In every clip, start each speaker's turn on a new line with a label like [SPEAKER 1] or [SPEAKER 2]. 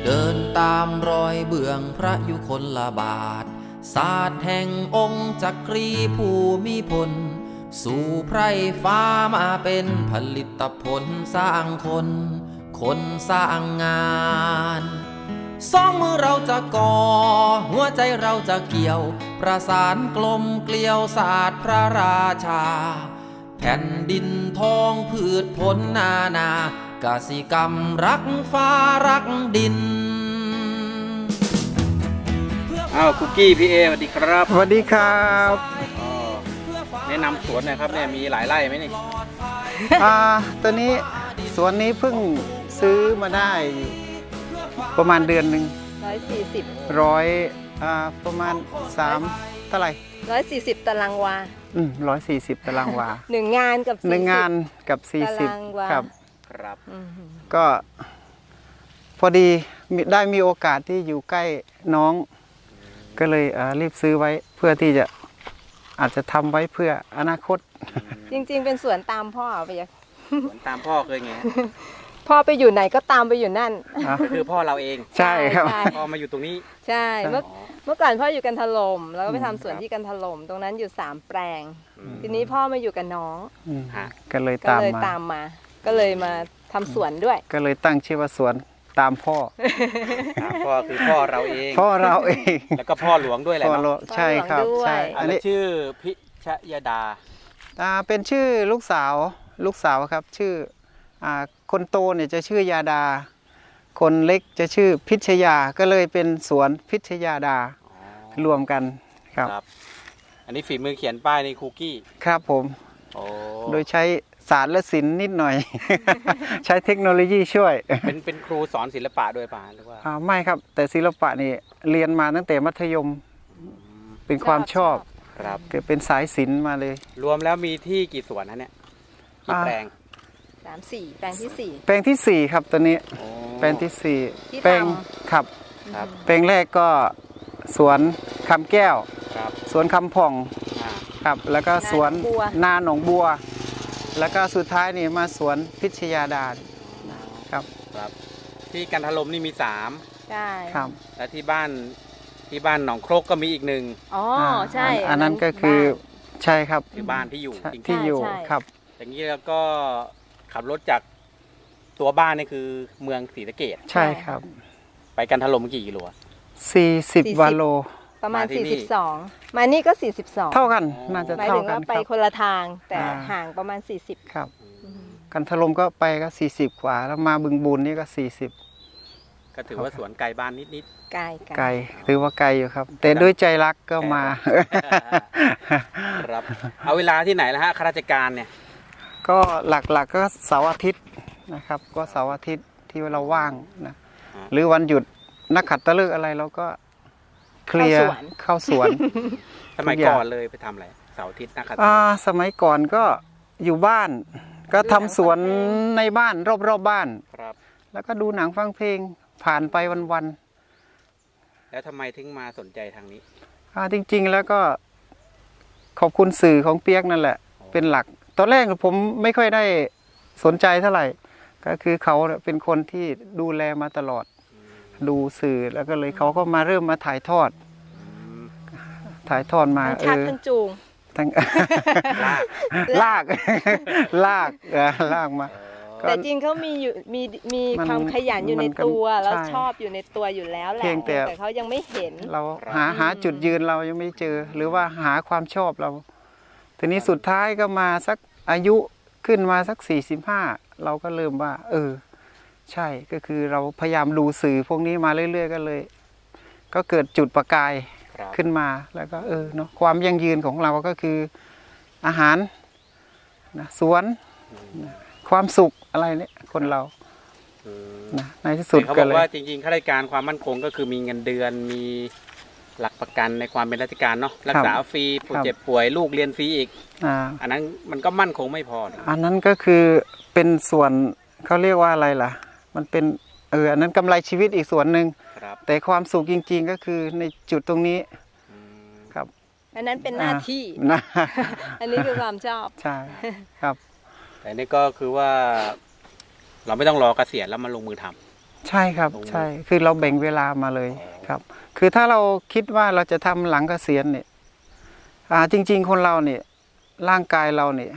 [SPEAKER 1] เดินตามรอยเบื้องพระยุคลบาทศาสตร์แห่งองค์จักรีภูมิพลสู่ไพร่ฟ้ามาเป็นผลิตผลสร้างคนคนสร้างงานสองมือเราจะก่อหัวใจเราจะเกี่ยวประสานกลมเกลียวศาสตร์พระราชาแผ่นดินทองพืชผลนานากสิกรรมรักฟ้ารักดิน
[SPEAKER 2] คุกกี้พี่เอสวัสดีครับ
[SPEAKER 3] สวัสดีครับ
[SPEAKER 2] แนะนำสวนหน่อยครับเนี่ยมีหลายไร่ไหมนี่
[SPEAKER 3] ตัวนี้สวนนี้เพิ่งซื้อมาได้ประมาณเดือนหนึ่ง
[SPEAKER 4] 140
[SPEAKER 3] ประมาณ3เท่าไหร่
[SPEAKER 4] 140 ตารางวา
[SPEAKER 3] 140 ตารางวา
[SPEAKER 4] 1 งานกับ40
[SPEAKER 3] 1 งานกับ
[SPEAKER 4] ตารางวา
[SPEAKER 3] 40ครับ
[SPEAKER 2] ครับ
[SPEAKER 3] ก็พอดีได้มีโอกาสที่อยู่ใกล้น้องก็เลยรีบซื้อไว้เพื่อที่จะอาจจะทำไว้เพื่ออนาคต
[SPEAKER 4] จริงๆเป็นสวนตามพ่อไปยัง
[SPEAKER 2] สวนตามพ่อเคยไง
[SPEAKER 4] พ่อไปอยู่ไหนก็ตามไปอยู่นั่น
[SPEAKER 2] ก็คือพ่อเราเอง
[SPEAKER 3] ใช่ครับ
[SPEAKER 2] พ่อมาอยู่ตรงนี้
[SPEAKER 4] ใช่เมื่อก่อนพ่ออยู่กันถล่มแล้วก็ไปทำสวนที่กันถล่มตรงนั้นอยู่3 แปลงทีนี้พ่อมาอยู่กับน้อง
[SPEAKER 3] ก็เลยตาม
[SPEAKER 4] มาก็เลยมาทำสวนด้วย
[SPEAKER 3] ก็เลยตั้งชื่อว่าสวนตามพ่อ
[SPEAKER 2] พ่อคือพ่อเราเอง
[SPEAKER 3] พ่อเราเอง
[SPEAKER 2] แล้วก็พ่อหลวงด้วยแหละเนาะ
[SPEAKER 3] ใช่ครับใช่
[SPEAKER 2] อันนี้ชื่อพิชยดา
[SPEAKER 3] เป็นชื่อลูกสาวครับชื่อคนโตเนี่ยจะชื่อยาดาคนเล็กจะชื่อพิชยาก็เลยเป็นสวนพิชยาดารวมกันครับ
[SPEAKER 2] อันนี้ฝีมือเขียนป้ายในคุกกี้
[SPEAKER 3] ครับผมโดยใช้ศาสตร์และศิลป์นิดหน่อย ใช้เทคโนโลยีช่วย
[SPEAKER 2] เป็นครูสอนศิลปะด้วยป่ะหรือว่า
[SPEAKER 3] ไม่ครับแต่ศิลปะนี่เรียนมาตั้งแต่มัธยมเป็นความชอบ
[SPEAKER 2] ครับ
[SPEAKER 3] เกิดเป็นสายศิลป์มาเลย
[SPEAKER 2] รวมแล้วมีที่กี่สวนนะเนี่ยกี่แปลง
[SPEAKER 4] 3-4 แปลงที่4
[SPEAKER 3] แปลงที่4ครับตอนนี้แปลงที่4แปลงครับแปลงแรกก็สวนคำแก้วสวนคำผ่องครับแล้วก็สวนนาหนองบัวแล้วก็สุดท้ายนี่มาสวนพิชยาดาครับ
[SPEAKER 2] ที่กันทลมนี่มี3
[SPEAKER 4] ใช่
[SPEAKER 3] ครับ
[SPEAKER 2] และที่บ้านหนองโครกก็มีอีก1
[SPEAKER 4] อ๋อใช่
[SPEAKER 3] อันนั้นก็คือใช่ครับ
[SPEAKER 2] คือบ้านที่อยู่
[SPEAKER 3] ที่อยู่ครับ
[SPEAKER 2] อย่างนี้แล้วก็ขับรถจากตัวบ้านนี่คือเมืองศรีสะเกษ
[SPEAKER 3] ใช่ครับ
[SPEAKER 2] ไปกันทลมกี่กิโล
[SPEAKER 3] 40 วาโล
[SPEAKER 4] ประมาณ42มานี่ก็42
[SPEAKER 3] เท่ากันน่าจะเท่ากัน
[SPEAKER 4] ไปคนละทางแต่ห่างประมาณ40
[SPEAKER 3] ครับกันทลมก็ไปก็40กว่าแล้วมาบึงบูรนี่ก็40
[SPEAKER 2] ก็ถือว่าสวนไกลบ้านนิด
[SPEAKER 4] ไกล
[SPEAKER 3] ถือว่าไกลอยู่ครับแต่ด้วยใจรักก็มา
[SPEAKER 2] ครับเอาเวลาที่ไหนแล้วฮะข้าราชการเนี่ย
[SPEAKER 3] ก็หลักๆก็เสาร์อาทิตย์นะครับก็เสาร์อาทิตย์ที่เราว่างนะหรือวันหยุดนักขัตฤกษ์อะไรเราก็เคลียร์เข้าสวน
[SPEAKER 2] สมัยก่อนเลยไปทำอะไรเสาร์อาทิตย์นักขัตฤกษ์
[SPEAKER 3] สมัยก่อนก็อยู่บ้านก็ทำสวนในบ้านรอบบ้านแล้วก็ดูหนังฟังเพลงผ่านไปวัน
[SPEAKER 2] ๆแล้วทำไมถึงมาสนใจทางนี้
[SPEAKER 3] จริงๆแล้วก็ขอบคุณสื่อของเปียกนั่นแหละเป็นหลักตอนแรกผมไม่ค่อยได้สนใจเท่าไหร่ก็คือเขาเป็นคนที่ดูแลมาตลอดดูสื่อแล้วก็เลยเขาก็มาเริ่มมาถ่ายทอดมา
[SPEAKER 4] ชักทั้งจูง
[SPEAKER 3] ทั้งลากมา
[SPEAKER 4] แต่จริงเขามีความขยันอยู่ในตัวแล้วชอบอยู่ในตัวอยู่แล้วแหละแต่เขายังไม่เห็น
[SPEAKER 3] เราหาจุดยืนเรายังไม่เจอหรือว่าหาความชอบเราทีนี้สุดท้ายก็มาสักอายุขึ้นมาสัก45เราก็เริ่มว่าใช่ก็คือเราพยายามดูสื่อพวกนี้มาเรื่อยๆก็เลยก็เกิดจุดประกายขึ้นมาแล้วก็เนาะความยั่งยืนของเราก็คืออาหารนะสวนความสุขอะไรเนี่ยคนเรานะในที่สุด
[SPEAKER 2] เขาบอกว่าจริงๆข้าราชการความมั่นคงก็คือมีเงินเดือนมีหลักประกันในความเป็นราชการเนาะรักษาฟรีเจ็บป่วยลูกเรียนฟรีอีกอันนั้นมันก็มั่นคงไม่พอ
[SPEAKER 3] อันนั้นก็คือเป็นส่วนเขาเรียกว่าอะไรล่ะมันเป็นอันนั้นกำไรชีวิตอีกส่วนหนึ่งแต่ความสุขจริงๆก็คือในจุดตรงนี้ครับ
[SPEAKER 4] อันนั้นเป็นหน้าที่อันนี้คือความชอบ
[SPEAKER 3] ใช่ครับ
[SPEAKER 2] แต่นี่ก็คือว่าเราไม่ต้องรอเกษียณแล้วมาลงมือท
[SPEAKER 3] ใช่ครับ
[SPEAKER 2] ตรงนี้
[SPEAKER 3] ใช่คือเราแบ่งเวลามาเลยครับ คือถ้าเราคิดว่าเราจะทำหลังเกษียณเนี่ยจริงๆคนเราเนี่ยร่างกายเราเนี่ย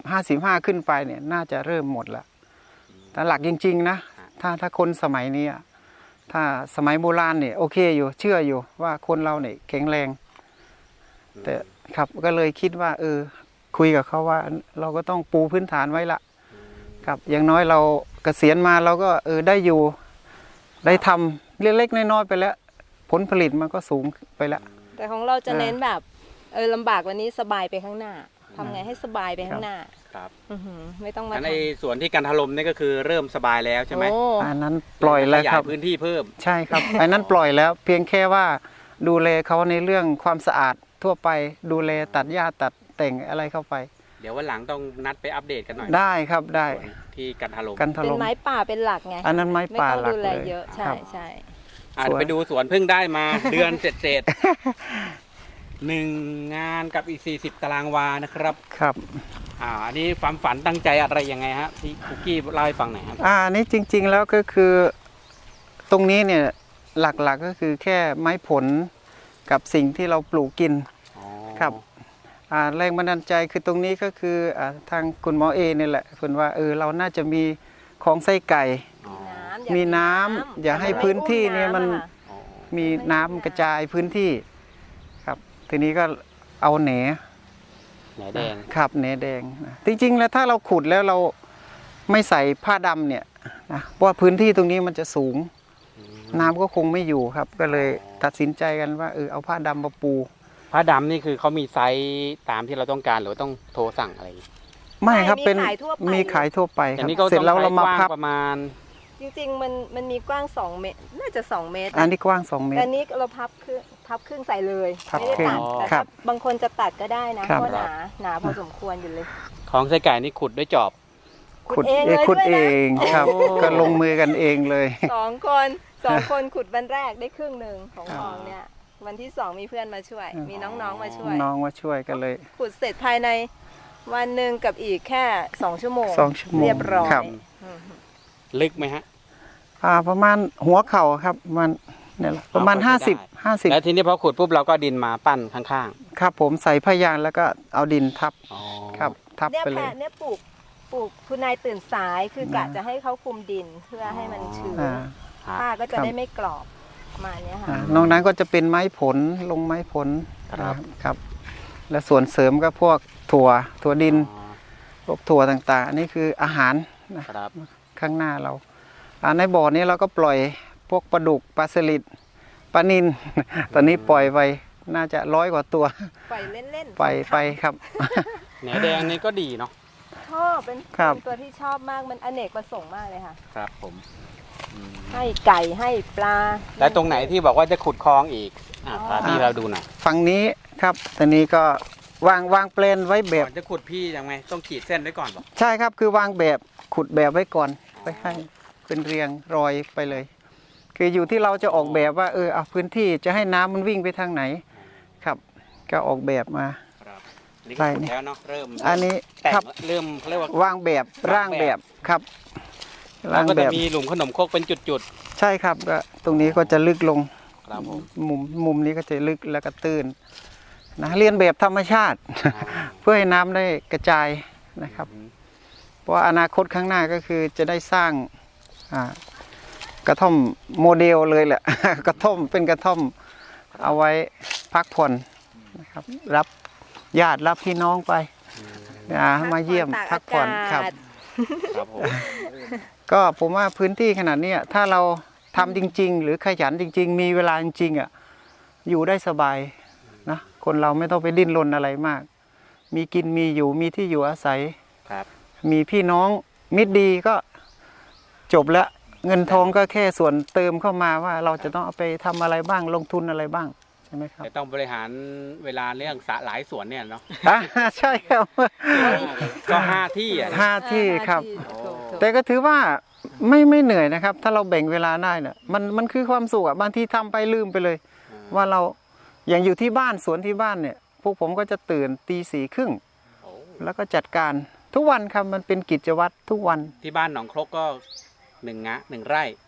[SPEAKER 3] 55ขึ้นไปเนี่ยน่าจะเริ่มหมดละแต่หลักจริงๆนะถ้าคนสมัยนี้ถ้าสมัยโบราณเนี่ยโอเคอยู่เชื่ออยู่ว่าคนเราเนี่ยแข็งแรง แต่ครับก็เลยคิดว่าคุยกับเขาว่าเราก็ต้องปูพื้นฐานไว้ละครับอย่างน้อยเราเกษียณมาเราก็ได้อยู่ได้ทำเล็กๆน้อยๆไปแล้วผลผลิตมันก็สูงไปแล้ว
[SPEAKER 4] แต่ของเราจะเน้นแบบลำบากวันนี้สบายไปข้างหน้าทำไงให้สบายไปข้างหน้า
[SPEAKER 2] ครับ
[SPEAKER 4] ไม่ต้องมา
[SPEAKER 2] งั้นในส่วนที่กันทลมนี่ก็คือเริ่มสบายแล้วใช่ไหม
[SPEAKER 4] โอ้
[SPEAKER 3] อันนั้นปล่อยแล้ว
[SPEAKER 2] ขยา
[SPEAKER 3] ครั
[SPEAKER 2] ย
[SPEAKER 3] บ
[SPEAKER 2] พื้นที่เพิ่ม
[SPEAKER 3] ใช่ครับ อันนั้นปล่อยแล้วเพียงแค่ว่าดูแลเขาในเรื่องความสะอาดทั่วไปดูแลตัดหญ้าตัดแต่งอะไรเข้าไป
[SPEAKER 2] เดี๋ยววันหลังต้องนัดไปอัปเดตกันหน่อย
[SPEAKER 3] ได้ครับได้
[SPEAKER 2] ส่วนที่กันทลม
[SPEAKER 3] กันถ
[SPEAKER 4] เป็น
[SPEAKER 3] ล่ม
[SPEAKER 4] ไม้ป่าเป็นหลักไง
[SPEAKER 3] อันนั้นไม้
[SPEAKER 4] ไม่
[SPEAKER 3] ป่า
[SPEAKER 4] ต้อง
[SPEAKER 3] หลัก
[SPEAKER 4] ดูแล
[SPEAKER 3] เลย
[SPEAKER 4] เยอะใช่
[SPEAKER 3] ครับ
[SPEAKER 4] ใช่
[SPEAKER 2] อาจ
[SPEAKER 3] สวน
[SPEAKER 2] ไปดูสวนเพิ่งได้มา เดือนเศษหนึ่งงานกับอีก40 ตารางวานะครับ
[SPEAKER 3] ครับ
[SPEAKER 2] อันนี้ความฝันตั้งใจอะไรยังไงฮะที่คุกกี้เล่าให้ฟังหน่อยครับ
[SPEAKER 3] อันนี้จริงๆแล้วก็คือตรงนี้เนี่ยหลักๆก็คือแค่ไม้ผลกับสิ่งที่เราปลูกกิน ครับ แรงบันดาลใจคือตรงนี้ก็คือทางคุณหมอเอนี่แหละคุณว่าเราน่าจะมีของไส้ไก่ มีน้ำอย่าให้พื้นที่เนี่ยมัน มีน้ำกระจายพื้นที่ครับทีนี้ก็เอาแหน
[SPEAKER 2] แหนแดง
[SPEAKER 3] ครับแหนแดงนะจริงๆแล้วถ้าเราขุดแล้วเราไม่ใส่ผ้าดำเนี่ยนะเพราะว่าพื้นที่ตรงนี้มันจะสูง น้ำก็คงไม่อยู่ครับ ก็เลยตัดสินใจกันว่าเอาผ้าดำมาปู
[SPEAKER 2] ผ้าดำนี่คือเขามีไซส์ตามที่เราต้องการหรือว่าต้องโทรสั่งอะไร
[SPEAKER 3] ไม่ครับเป็น
[SPEAKER 4] มีขายทั่วไป
[SPEAKER 3] มีขายทั่วไปค
[SPEAKER 2] แต่
[SPEAKER 3] รับ
[SPEAKER 2] นี่ก็
[SPEAKER 3] เสร็
[SPEAKER 2] ต้
[SPEAKER 3] จ
[SPEAKER 2] อง
[SPEAKER 3] แล้ว
[SPEAKER 2] ใช้
[SPEAKER 3] เรา
[SPEAKER 2] ก
[SPEAKER 3] มา
[SPEAKER 2] ว้าง
[SPEAKER 3] พับ
[SPEAKER 2] ประมาณ
[SPEAKER 4] จริงๆมันมีกว้าง2 เมตรน่าจะ2 เมตร
[SPEAKER 3] อันนี้กว้าง2 เมต
[SPEAKER 4] แต่
[SPEAKER 3] ร
[SPEAKER 4] นี้เราพับครึ่งใส่เลย
[SPEAKER 3] พับ
[SPEAKER 4] ไม่ได้ตัด
[SPEAKER 3] ครึ่ง
[SPEAKER 4] แต่
[SPEAKER 3] ครั
[SPEAKER 4] ถ้า
[SPEAKER 3] บ
[SPEAKER 4] บางคนจะตัดก็ได้นะ
[SPEAKER 3] ครั
[SPEAKER 4] เพ
[SPEAKER 3] บ
[SPEAKER 4] ราะหนาพอสมควรอยู่เลย
[SPEAKER 2] ของไส้ไก่นี่ขุดด้วยจอบ
[SPEAKER 4] ขุดเองเลย
[SPEAKER 3] ขุด
[SPEAKER 4] ด้วย
[SPEAKER 3] เอ
[SPEAKER 4] นะ
[SPEAKER 3] งครับ
[SPEAKER 2] โอ้
[SPEAKER 3] ก็ลงมือกันเองเลย
[SPEAKER 4] 2 คนขุดวันแรกได้ครึ่งหนึ่งของคลองเนี่ยวันที่2มีเพื่อนมาช่วย มีน้องๆมาช่วย
[SPEAKER 3] น้องมาช่วยกันเลย
[SPEAKER 4] ขุดเสร็จภายในวันหนึ่งกับอีกแค่2 ชั่วโมง
[SPEAKER 3] 2 ชั่วโมง
[SPEAKER 4] เรียบร้อย
[SPEAKER 3] ครับ
[SPEAKER 2] ลึกไหมฮะ
[SPEAKER 3] ประมาณหัวเข่าครับมันเนี่ยแหละประมาณ
[SPEAKER 2] เอาเข้าไปได้
[SPEAKER 3] 50
[SPEAKER 2] แล้วทีนี้พอขุดปุ๊บเราก็ดินมาปั้นข้าง
[SPEAKER 3] ครับผมใส่ผ้ายางแล้วก็เอาดินทับ
[SPEAKER 2] ๆอ๋อ
[SPEAKER 3] ครับทับ
[SPEAKER 4] เนี่ย
[SPEAKER 3] ไปเล
[SPEAKER 4] แพะ
[SPEAKER 3] ย
[SPEAKER 4] เนี่ยปลูกคุณนายตื่นสายคือกะจะให้เขาคุมดินเพื่อให้มันชื้น
[SPEAKER 3] อ่า
[SPEAKER 4] ผ้าก็จะ
[SPEAKER 3] ครับ
[SPEAKER 4] ได้ไม่กรอบประมาณเนี้ยค่ะ
[SPEAKER 3] นอกนั้นก็จะเป็นไม้ผลลงไม้ผลครับ และส่วนเสริมก็พวกถั่วดิน
[SPEAKER 2] อ๋อ
[SPEAKER 3] พวกถั่วต่างๆอันนี้คืออาหารนะครับ ข้างหน้าเราในบ่อนี้เราก็ปล่อยพวกปลาดุกปลาสลิดปลานิล ตอนนี้ปล่อยไปน่าจะ100 กว่าตัว
[SPEAKER 4] ปล่อยเล่นๆ
[SPEAKER 3] ไปครับ
[SPEAKER 2] แหนแดงนี่ก็ดีเนาะ
[SPEAKER 4] ชอบเป็น
[SPEAKER 3] ครับ
[SPEAKER 4] ตัวที่ชอบมากมันอเนกประสงค์มากเลยค่ะ
[SPEAKER 2] ครับผมอืม
[SPEAKER 4] ให้ไก่ให้ปลา
[SPEAKER 2] แล้วตรงไหนที่บอกว่าจะขุดคลองอีกพาพี่เราดูหน่อย
[SPEAKER 3] ฝั่งนี้ครับตอนนี้ก็วางแปลนไว้แบบ
[SPEAKER 2] ก่อนจะขุดพี่ยังไงต้องขีดเส้นไว้ก่อนบอก
[SPEAKER 3] ใช่ครับคือวางแบบขุดแบบไว้ก่อนไว้ให้เป็นเรียงรอยไปเลย คืออยู่ที่เราจะออกแบบว่าเอาพื้นที่จะให้น้ำมันวิ่งไปทางไหนครับ ก็ออกแบบมา
[SPEAKER 2] ครับนี่ก็ขุดแล้วเนาะเริ่ม
[SPEAKER 3] อันนี้
[SPEAKER 2] แต่ง
[SPEAKER 3] ครับ
[SPEAKER 2] เริ่มเขาเรียกว่าว
[SPEAKER 3] างแบบร่างแบบครับ
[SPEAKER 2] แล้วก็จะมีหลุมขนมครกเป็นจุด
[SPEAKER 3] ใช่ครับก็ตรงนี้ก็จะลึกลง
[SPEAKER 2] ๆครับผม
[SPEAKER 3] มุมนี้ก็จะลึกแล้วก็ตื้นนะเรียนแบบธรรมชาติ เพื่อให้น้ำได้กระจายนะครับ เพราะว่าอนาคตข้างหน้าก็คือจะได้สร้างกระท่อมโมเดลเลยแหละ กระท่อมเป็นกระท่อมเอาไว้พักผ่อนนะครับ รับญาติรับพี่น้องไปมาเยี่ยมพักผ่อนครับ
[SPEAKER 2] ครับผม
[SPEAKER 3] ก็ผมว่าพื้นที่ขนาดนี้ถ้าเราทำจริง ๆ หรือขยันจริง ๆ มีเวลาจริงๆอยู่ได้สบายนะคนเราไม่ต้องไปดิ้นรนอะไรมาก มีกินมีอยู่มีที่อยู่อาศัย
[SPEAKER 2] ครับ
[SPEAKER 3] มีพี่น้องมิตรดีก็จบแล้วเงินทองก็แค่ส่วนเติมเข้ามาว่าเราจะต้องเอาไปทำอะไรบ้างลงทุนอะไรบ้างใช่ไหมครับ
[SPEAKER 2] แต่ต้องบริหารเวลาเรื่องสระหลายสวนเนี่ยเนาะ
[SPEAKER 3] ใช่ครับ
[SPEAKER 2] ก็5 ที่อ่ะนะ
[SPEAKER 3] 5 ที่ครับ
[SPEAKER 4] ถูกๆ
[SPEAKER 3] แต่ก็ถือว่าไม่เหนื่อยนะครับ ถ้าเราแบ่งเวลาได้เนี่ยมันคือความสุขบางทีทำไปลืมไปเลย ว่าเราอย่างอยู่ที่บ้านสวนที่บ้านเนี่ย พวกผมก็จะตื่นตี 4:30
[SPEAKER 2] โอ้
[SPEAKER 3] แล้วก็จัดการทุกวันครับมันเป็นกิจวัตรทุกวัน
[SPEAKER 2] ที่บ้านหนองครกก็1 ไร่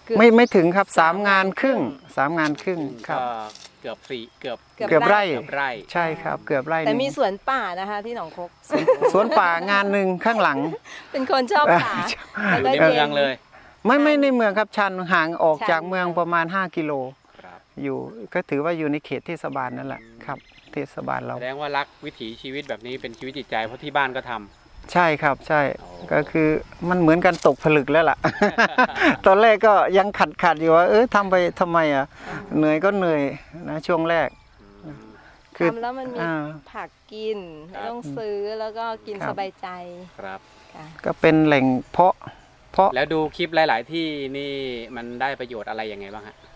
[SPEAKER 3] ไม่ถึงครับ3 งานครึ่ง3 งานครึ่งครับ
[SPEAKER 2] ก็เกือบสี่เกือบ
[SPEAKER 3] เกือบไร่
[SPEAKER 2] เกือบไร่
[SPEAKER 3] ใช่ครับเกือบไร่
[SPEAKER 4] แต่
[SPEAKER 3] หนึ่ง
[SPEAKER 4] มีสวนป่านะคะที่หนองคก
[SPEAKER 3] สวนป่างานหนึ่งข้างหลัง
[SPEAKER 4] เป็นคนชอบป่า
[SPEAKER 2] อยู่ในเมืองเลย
[SPEAKER 3] ไม่ในเมืองครับชันห่างออก
[SPEAKER 4] ชัน
[SPEAKER 3] จากเมืองประมาณ5 กิโล
[SPEAKER 2] ครับ
[SPEAKER 3] อยู่ก็ถือว่าอยู่ในเขตเทศบาลนั่นแหละครับ เทศบาลเรา
[SPEAKER 2] แสดงว่ารักวิถีชีวิตแบบนี้เป็นชีวิตจิตใจเพราะที่บ้านก็ทำ
[SPEAKER 3] ใช่ครับใช่
[SPEAKER 2] โอ้
[SPEAKER 3] ก็คือมันเหมือนกันตกผลึกแล้วล่ะ ตอนแรกก็ยังขัดอยู่ว่าทำไปทำไมอ่ะเหนื่อยก็เหนื่อยนะช่วงแรก คือ
[SPEAKER 4] ทำแล้วมันมี
[SPEAKER 3] อ่า
[SPEAKER 4] ผักกินไม่ต้องซื้อแล้วก็กิน
[SPEAKER 3] ครับ
[SPEAKER 4] สบายใจ
[SPEAKER 2] ครับ
[SPEAKER 4] ค่ะ
[SPEAKER 3] ก็เป็นแหล่งเพาะ
[SPEAKER 2] แล้วดูคลิปหลาย ๆ ที่นี่มันได้ประโยชน์อะไรยังไงบ้างฮะ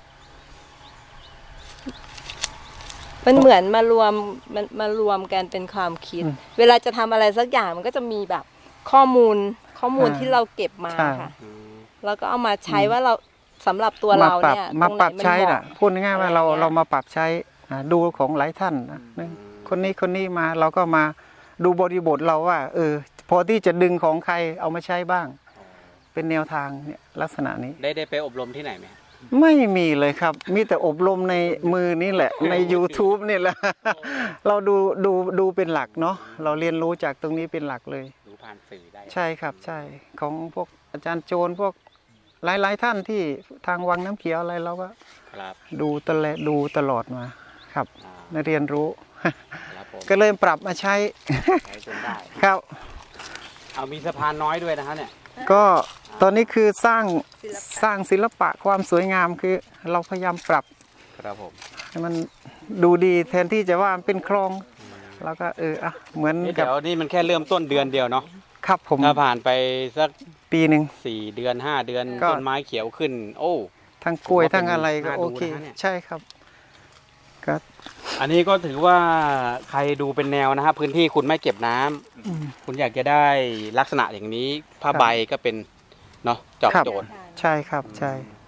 [SPEAKER 4] มันเหมือนมารวมกันเป็นความคิด เวลาจะทำอะไรสักอย่างมันก็จะมีแบบข้อมูลที่เราเก็บมา
[SPEAKER 3] ใช่
[SPEAKER 4] ค่ะ แล้วก็เอามาใช้ว่าเราสำหรับตัว
[SPEAKER 3] มา
[SPEAKER 4] เรา
[SPEAKER 3] ปรับ
[SPEAKER 4] เนี่ย
[SPEAKER 3] มาปรับ
[SPEAKER 4] ตงไหน
[SPEAKER 3] ใช้
[SPEAKER 4] มันเห
[SPEAKER 3] น่ะ
[SPEAKER 4] มาะ
[SPEAKER 3] พูดง่ายๆว่าเรา
[SPEAKER 4] อะไรอย่างเงี้ย
[SPEAKER 3] เรามาปรับใช้ดูของหลายท่านนะคนนี้มาเราก็มาดูบริบทเราว่าพอที่จะดึงของใครเอามาใช้บ้าง เป็นแนวทางเนี่ยลักษณะนี้
[SPEAKER 2] ได้ไปอบรมที่ไหนไหม
[SPEAKER 3] ไม่มีเลยครับ มีแต่อบรมในมือนี่แหละ ใน YouTube นี่แหละ เราดูเป็นหลักเนาะเราเรียนรู้จากตรงนี้เป็นหลักเลย
[SPEAKER 2] ดูผ่านสื่อได้
[SPEAKER 3] ใช่ครับใช่ของพวกอาจารย์โจรพวกหลายท่านที่ทางวังน้ำเขียวอะไรเราก็
[SPEAKER 2] ครับ
[SPEAKER 3] ดูตลอดมาครับ
[SPEAKER 2] อ่า
[SPEAKER 3] ได้เรียนรู้
[SPEAKER 2] ครับผม
[SPEAKER 3] ก็เลยปรับมาใช้
[SPEAKER 2] ใช้จนได้
[SPEAKER 3] ครับ
[SPEAKER 2] เอามีสะพานน้อยด้วยนะฮะเนี่ย
[SPEAKER 3] ก็ตอนนี้คือสร้างศิลปะความสวยงามคือเราพยายามปรับ
[SPEAKER 2] ครับผม
[SPEAKER 3] ให้มันดูดีแทนที่จะว่ามันเป็นคลองแล้วก็เหมือน
[SPEAKER 2] นี่
[SPEAKER 3] กับ
[SPEAKER 2] เดี๋ยวนี่มันแค่เริ่มต้นเดือนเดียวเนาะ
[SPEAKER 3] ครับผม
[SPEAKER 2] ถ้าผ่านไปสัก
[SPEAKER 3] ปีหนึ่ง
[SPEAKER 2] 4 เดือน 5 เดือน
[SPEAKER 3] ก็
[SPEAKER 2] ต้นไม้เขียวขึ้น โอ้
[SPEAKER 3] ทั้งกล้วย
[SPEAKER 2] ผมว่า
[SPEAKER 3] ทั้งอะไรก็
[SPEAKER 2] น่าดู
[SPEAKER 3] โอเค
[SPEAKER 2] นะเนี่ย
[SPEAKER 3] ใช่ครับก็
[SPEAKER 2] อันนี้ก็ถือว่าใครดูเป็นแนวนะครับพื้นที่คุณไม่เก็บน้ำคุณอยากจะได้ลักษณะอย่างนี้ผ้าใบก็เป็นเนาะจอบโจทย์
[SPEAKER 3] ใช่ครับใช่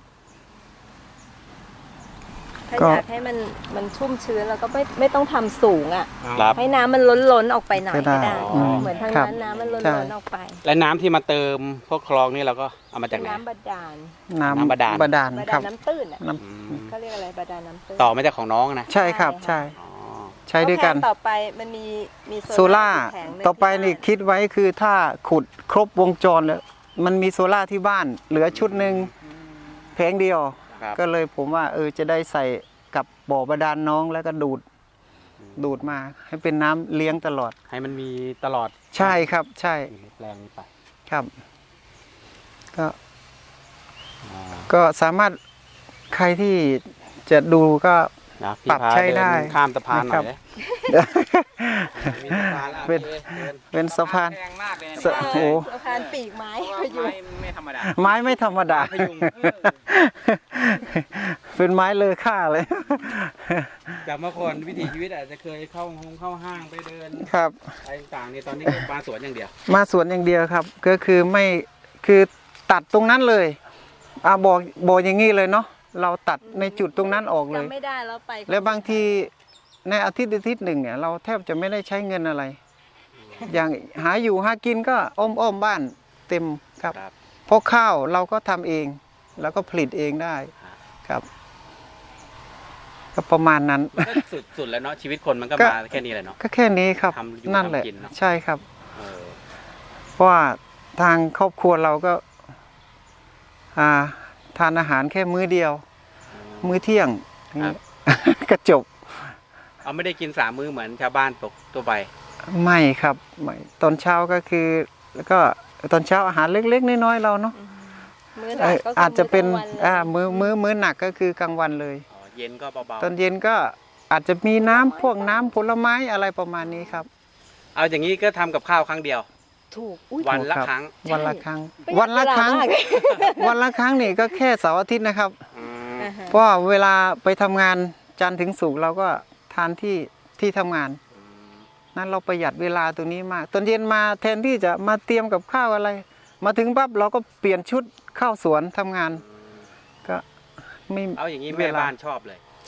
[SPEAKER 4] ถ้า
[SPEAKER 3] ก็
[SPEAKER 4] อยากให้มันชุ่มชื้นแล้วก็ไม่ต้องทำสูงอ่ะ
[SPEAKER 2] ครับ
[SPEAKER 4] ให้น้ำมันล้นออกไปหน่อย
[SPEAKER 3] ก็
[SPEAKER 4] ก็
[SPEAKER 3] ได้
[SPEAKER 4] ได้
[SPEAKER 2] อืม
[SPEAKER 4] เหมือนทาง
[SPEAKER 3] ครับ
[SPEAKER 4] นั้นน้ำมันล้
[SPEAKER 3] ใช่
[SPEAKER 4] นออกไป
[SPEAKER 2] และน้ำที่มาเติมพวกคลองนี่เราก็เอามาจากไหน
[SPEAKER 4] น้ำบาดาล
[SPEAKER 2] น้ำบาดาล
[SPEAKER 3] บาดาล
[SPEAKER 4] บา
[SPEAKER 3] ครั
[SPEAKER 4] ดา
[SPEAKER 3] บ
[SPEAKER 4] ลน้ำตื้นอ่ะ
[SPEAKER 3] น้
[SPEAKER 2] อืม
[SPEAKER 4] เขาเรียกอะไรบาดาลน้ำตื้น
[SPEAKER 2] ต่อมาจากของน้องนะ
[SPEAKER 3] ำใช่ครับ
[SPEAKER 4] ใช่
[SPEAKER 3] ใช่
[SPEAKER 2] อ๋อ
[SPEAKER 3] ใช้ด้วยกัน
[SPEAKER 4] แล้วแผงต่อไปมันมี
[SPEAKER 3] โซล่า
[SPEAKER 4] แผงหนึ่ง
[SPEAKER 3] ต่อไป
[SPEAKER 4] ที่
[SPEAKER 3] นี่
[SPEAKER 4] บ้า
[SPEAKER 3] คิดไว้คือถ้าขุดครบวงจรแล้วมันมีโซล่าที่บ้าน เหลือชุดหนึ่งแผงเดียว
[SPEAKER 2] ครับ
[SPEAKER 3] ก็เลยผมว่าจะได้ใส่กับบ่อบาดาลน้องแล้วก็ดูดมาให้เป็นน้ำเลี้ยงตลอด
[SPEAKER 2] ให้มันมีตลอด
[SPEAKER 3] ใช่ครับใช่
[SPEAKER 2] อยู่ในแปลงนี้ไป
[SPEAKER 3] ครับ ก็
[SPEAKER 2] อ่า
[SPEAKER 3] ก็สามารถใครที่จะดูก็
[SPEAKER 2] นะพี่
[SPEAKER 3] ปรับ
[SPEAKER 2] พา
[SPEAKER 3] ใช้
[SPEAKER 2] เดิน
[SPEAKER 3] ได้
[SPEAKER 2] ข้ามสะพานหน่อย
[SPEAKER 3] นะครับ
[SPEAKER 2] เลยมีสะพานแล้ว
[SPEAKER 3] เป็น
[SPEAKER 2] โอคดิน
[SPEAKER 3] เป็นสะพาน
[SPEAKER 2] แพงมากเลยนะ
[SPEAKER 3] สะ โอ้โห
[SPEAKER 4] สะพานปีกไม้
[SPEAKER 2] เพราะ
[SPEAKER 4] พ
[SPEAKER 2] ว่า
[SPEAKER 4] ยุง
[SPEAKER 2] ไม้ไม่ธรรมดา
[SPEAKER 3] ไม้ไม่ธรรมดา
[SPEAKER 2] พยุง
[SPEAKER 3] เป็นไม้เลอค่าเลย
[SPEAKER 2] จากเมื่อก่อนวิถีชีวิตอาจจะเคยเข้าห้างไปเดิน
[SPEAKER 3] ครับ
[SPEAKER 2] อะไรต่างๆนี่ตอนนี้ก็มาสวนอย่างเดียว
[SPEAKER 3] มาสวนอย่างเดียวครับ ก็คือไม่คือตัดตรงนั้นเลยบอกอย่างนี้เลยเนาะเราตัดในจุดตรงนั้นออกเลย
[SPEAKER 4] จำไม่ได้แล้วไป
[SPEAKER 3] แล้วบางทีในอาทิตย์หนึ่งเนี่ยเราแทบจะไม่ได้ใช้เงินอะไร อย่างหาอยู่หากินก็อ้อมบ้านเต็มครับ
[SPEAKER 2] ครับ
[SPEAKER 3] เพราะข้าวเราก็ทำเอง แล้วก็ผลิตเองได้ครับ ก็ประมาณนั้น
[SPEAKER 2] มันก็สุดแล้วเนาะชีวิตคนมันก็
[SPEAKER 3] ก็
[SPEAKER 2] มาแค่นี้แหละเนาะ
[SPEAKER 3] ก็แค่นี้ครับ
[SPEAKER 2] ทำอยู่
[SPEAKER 3] นั่นแหละ
[SPEAKER 2] ทำกินเนอะ
[SPEAKER 3] ใช่ครับ
[SPEAKER 2] เออ
[SPEAKER 3] เพราะว่าทางครอบครัวเราก็ทานอาหารแค่มื้อเดียว มื้อเที่ยง
[SPEAKER 2] ครับ
[SPEAKER 3] ก็จบ
[SPEAKER 2] เอาไม่ได้กิน3 มื้อเหมือนชาวบ้านปกตัวไป
[SPEAKER 3] ไม่ครับไม่ตอนเช้าก็คือ แล้วก็ตอนเช้าอาหารเล็กๆน้อยๆเราเนาะ
[SPEAKER 4] มื้อหลักก็คื
[SPEAKER 3] อาจจะเป็น
[SPEAKER 4] มื้อกลางวันเลย
[SPEAKER 3] มื้อหนักก็คือกลางวันเลย
[SPEAKER 2] อ๋อเย็นก็เบา
[SPEAKER 3] ตอนเย็นก็อาจจะมีน้ำพวกน้ำผลไม้อะไรประมาณนี้ครับ
[SPEAKER 2] ๆเอาอย่างนี้ก็ทำกับข้าวครั้งเดียว
[SPEAKER 4] ถูกอุ๊ย
[SPEAKER 2] วันละ
[SPEAKER 3] ครับ
[SPEAKER 2] ครั้ง
[SPEAKER 3] วันละครั้ง
[SPEAKER 4] ประหยัด
[SPEAKER 3] วันละครั้ง
[SPEAKER 4] เวลามาก
[SPEAKER 3] วันละครั้งนี่ก็แค่เสาร์อาทิตย์นะครับ
[SPEAKER 2] อืม
[SPEAKER 4] อ่าฮะ
[SPEAKER 3] เพราะว่าเวลาไปทำงานจันทร์ถึงศุกร์เราก็ทานที่ทำงาน นั้นเราประหยัดเวลาตรงนี้มาก ตอนเย็นมาแทนที่จะมาเตรียมกับข้าวอะไร มาถึงปั๊บเราก็เปลี่ยนชุดเข้าสวนทำงาน ก็ไม่
[SPEAKER 2] เอาอย่างนี้
[SPEAKER 3] เว
[SPEAKER 2] แม่
[SPEAKER 3] ลา
[SPEAKER 2] บ้านชอบเลย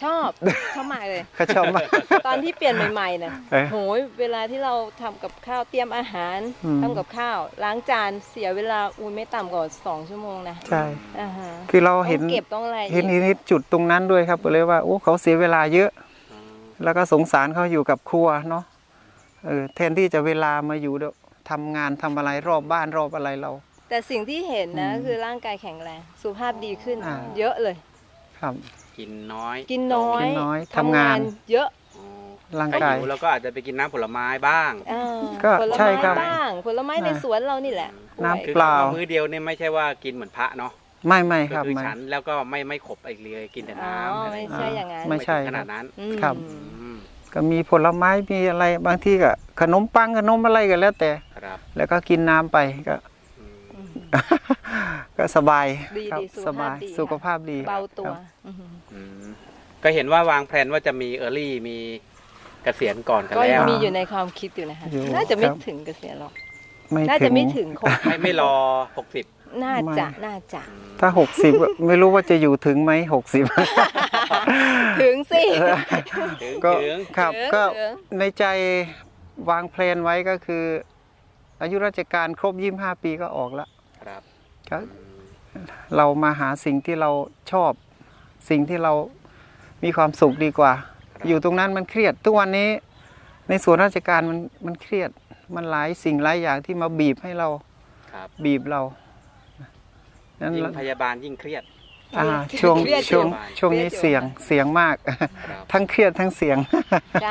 [SPEAKER 4] ชอบมากเลย
[SPEAKER 3] เขาชอบมาก
[SPEAKER 4] ตอนที่เปลี่ยนใหม่ๆนะ
[SPEAKER 3] เอ๊ะ
[SPEAKER 4] โหยเวลาที่เราทำกับข้าวเตรียมอาหาร
[SPEAKER 3] อืม
[SPEAKER 4] ทำกับข้าวล้างจานเสียเวลาไม่ต่ำกว่า2 ชั่วโมงนะ
[SPEAKER 3] ใช่
[SPEAKER 4] อ่าฮะ
[SPEAKER 3] คือเรา
[SPEAKER 4] ต้
[SPEAKER 3] เห็
[SPEAKER 4] อน งเก็บต้องอะไร
[SPEAKER 3] เห็นนิดจุดตรงนั้นด้วยครับก็เลยว่าโอ้เขาเสียเวลาเยอะ
[SPEAKER 2] อืม
[SPEAKER 3] แล้วก็สงสารเขาอยู่กับครัวเนาะแทนที่จะเวลามาอยู่ทำงานทำอะไรรอบบ้านรอบอะไรเรา
[SPEAKER 4] แต่สิ่งที่เห็นนะ
[SPEAKER 3] อืม
[SPEAKER 4] คือร่างกายแข็งแรงสุขภาพดีขึ้น
[SPEAKER 3] อ่า
[SPEAKER 4] เยอะเลย
[SPEAKER 3] ครับ
[SPEAKER 2] กินน้อย
[SPEAKER 4] กินน้อย
[SPEAKER 3] กินน้อย
[SPEAKER 4] ทำงาน
[SPEAKER 3] ทำงาน
[SPEAKER 4] เยอะ
[SPEAKER 2] อ๋อ
[SPEAKER 3] ร่าง
[SPEAKER 2] ถ้าก
[SPEAKER 3] าย
[SPEAKER 2] หิวเราก็อาจจะไปกินน้ำผลไม้บ้าง
[SPEAKER 4] อ่า
[SPEAKER 3] ก็
[SPEAKER 4] ผล
[SPEAKER 3] ใช่
[SPEAKER 4] ไม้
[SPEAKER 3] ครับ
[SPEAKER 4] บ้างผลไม้ในสวนเรานี่แหละ
[SPEAKER 3] น้ำ
[SPEAKER 4] กล้วย
[SPEAKER 2] คือ
[SPEAKER 3] เปล่า
[SPEAKER 2] มื้อเดียวเนี่ยไม่ใช่ว่ากินเหมือนพระเนาะ
[SPEAKER 3] ไม่
[SPEAKER 2] ก็
[SPEAKER 3] ครับ
[SPEAKER 2] คือ
[SPEAKER 3] ไม่
[SPEAKER 2] ฉันแล้วก็ไม่ขบอีกเลยกินแต่
[SPEAKER 4] อ๋อ
[SPEAKER 2] น้ำอะไร
[SPEAKER 4] ไม่ใช่อย่างนั้น
[SPEAKER 3] ไม่ใช่
[SPEAKER 2] ถึงขนาดนั้น
[SPEAKER 4] อืม
[SPEAKER 3] ครับ
[SPEAKER 2] อืม
[SPEAKER 3] ก็มีผลไม้มีอะไรบางที่ก็ขนมปังขนมอะไรก็แล้วแต่
[SPEAKER 2] ครับ
[SPEAKER 3] แล้วก็กินน้ำไปก็
[SPEAKER 2] อืม
[SPEAKER 3] ก็สบาย
[SPEAKER 4] ดี
[SPEAKER 3] ครับ
[SPEAKER 4] ดี
[SPEAKER 3] สบาย
[SPEAKER 4] สุ
[SPEAKER 3] สุ
[SPEAKER 4] ข
[SPEAKER 3] ข
[SPEAKER 4] ภา
[SPEAKER 3] ภา
[SPEAKER 4] พ
[SPEAKER 3] พ
[SPEAKER 4] ดี
[SPEAKER 3] ดี
[SPEAKER 4] เบาตัว
[SPEAKER 3] ครับ
[SPEAKER 4] อือหือ
[SPEAKER 2] อืมก็เห็นว่าวางแผนว่าจะมีเออร์ลี่มีเกษียณก่อนกัน
[SPEAKER 4] ก็
[SPEAKER 2] แล้
[SPEAKER 4] ยัง
[SPEAKER 2] ว
[SPEAKER 4] มีอยู่ในความคิดอยู่นะคะ
[SPEAKER 3] อยู่
[SPEAKER 4] น่าจะไม่
[SPEAKER 3] ครับ
[SPEAKER 4] ถึงเกษียณหรอก
[SPEAKER 3] ไม่
[SPEAKER 4] น่า
[SPEAKER 3] ถึ
[SPEAKER 4] จะ
[SPEAKER 3] ง
[SPEAKER 4] ไม่ถึงคง
[SPEAKER 2] ไม่รอ 60
[SPEAKER 4] น่าจะน่าจะ
[SPEAKER 3] ถ้า 60 ไม่รู้ว่าจะอยู่ถึงไหม60
[SPEAKER 4] ถึงสิ
[SPEAKER 2] ถึง
[SPEAKER 3] ก็
[SPEAKER 2] ถึง
[SPEAKER 3] ครับ
[SPEAKER 4] ถึง
[SPEAKER 3] ก็
[SPEAKER 4] ถึง
[SPEAKER 3] ในใจวางแพลนไว้ก็คือ อายุราชการครบ25 ปีก็ออกแล้ว
[SPEAKER 2] ครับ
[SPEAKER 3] ก็
[SPEAKER 2] อืม
[SPEAKER 3] เรามาหาสิ่งที่เราชอบ สิ่งที่เรามีความสุขดีกว่า อยู่ตรงนั้นมันเครียด ทุกวันนี้ในส่วนราชการมันเครียด มันหลายสิ่งหลายอย่างที่มาบีบให้เรา
[SPEAKER 2] ครับ
[SPEAKER 3] บีบเรานั้น
[SPEAKER 2] ยิ่งพยาบาลยิ่งเครียด
[SPEAKER 3] ช่วง
[SPEAKER 4] เครียด
[SPEAKER 3] ช่วง
[SPEAKER 2] อยู่
[SPEAKER 3] ช่วงนี้
[SPEAKER 4] เครียดอยู่
[SPEAKER 3] เสียงมาก
[SPEAKER 2] ครับ
[SPEAKER 3] ทั้งเครียดทั้งเสียง
[SPEAKER 4] ใช่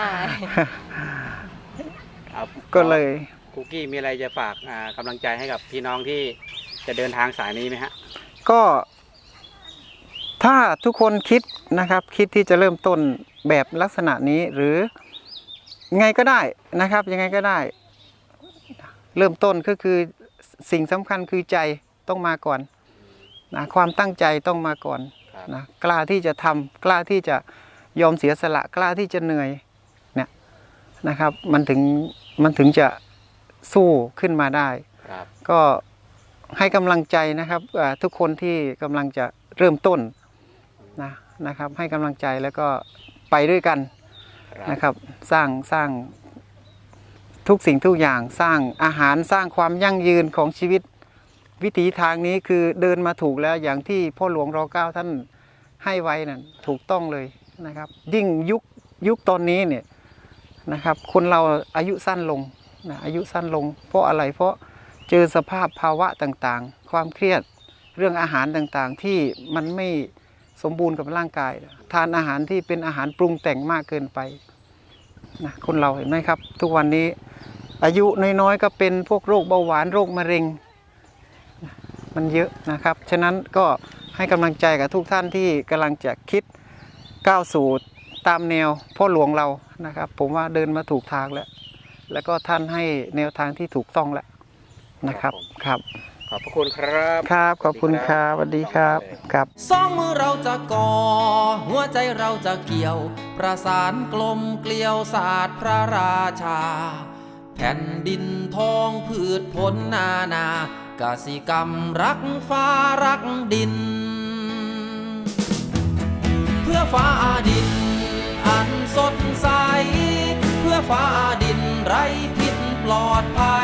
[SPEAKER 2] เอา
[SPEAKER 3] ก็เลย
[SPEAKER 2] คุกกี้มีอะไรจะฝากกำลังใจให้กับพี่น้องที่จะเดินทางสายนี้ไหมฮะ
[SPEAKER 3] ก็ถ้าทุกคนคิดนะครับ คิดที่จะเริ่มต้นแบบลักษณะนี้หรือไงก็ได้นะครับ ยังไงก็ได้ เริ่มต้นก็คือสิ่งสำคัญคือใจต้องมาก่อนนะความตั้งใจต้องมาก่อน
[SPEAKER 2] ครับ
[SPEAKER 3] นะกล้าที่จะทำกล้าที่จะยอมเสียสละ กล้าที่จะเหนื่อยเนี่ยนะครับ มันถึงจะสู้ขึ้นมาได้
[SPEAKER 2] ครับ
[SPEAKER 3] ก็ให้กำลังใจนะครับทุกคนที่กำลังจะเริ่มต้นนะครับ ให้กำลังใจแล้วก็ไปด้วยกัน
[SPEAKER 2] ครับ
[SPEAKER 3] นะครับสร้างทุกสิ่งทุกอย่างสร้างอาหารสร้างความยั่งยืนของชีวิตวิถีทางนี้คือเดินมาถูกแล้วอย่างที่พ่อหลวงร.9 ท่านให้ไว้นั่นถูกต้องเลยนะครับ ยิ่งยุคตอนนี้เนี่ยนะครับ คนเราอายุสั้นลงนะอายุสั้นลง เพราะอะไรเพราะเจอสภาพภาวะต่างๆ ความเครียดเรื่องอาหารต่างๆ ที่มันไม่สมบูรณ์กับร่างกายทานอาหารที่เป็นอาหารปรุงแต่งมากเกินไปนะคนเราเห็นไหมครับ ทุกวันนี้อายุน้อยๆก็เป็นพวกโรคเบาหวานโรคมะเร็งนะมันเยอะนะครับฉะนั้นก็ให้กำลังใจกับทุกท่านที่กำลังจะคิดก้าวสู่ตามแนวพ่อหลวงเรานะครับ ผมว่าเดินมาถูกทางแล้วก็ท่านให้แนวทางที่ถูกต้องแล้วนะครับครับ
[SPEAKER 2] ขอบพระคุณครับ
[SPEAKER 3] ครับขอบคุณครับสวัสดีครับครับ
[SPEAKER 1] สองมือเราจะก่อ หัวใจเราจะเกี่ยว ประสานกลมเกลียวศาสตร์พระราชา แผ่นดินทองพืชผลนานากสิกรรมรักฟ้ารักดิน เพื่อฟ้าดินอันสดใส เพื่อฟ้าดินไร้พิษปลอดภัย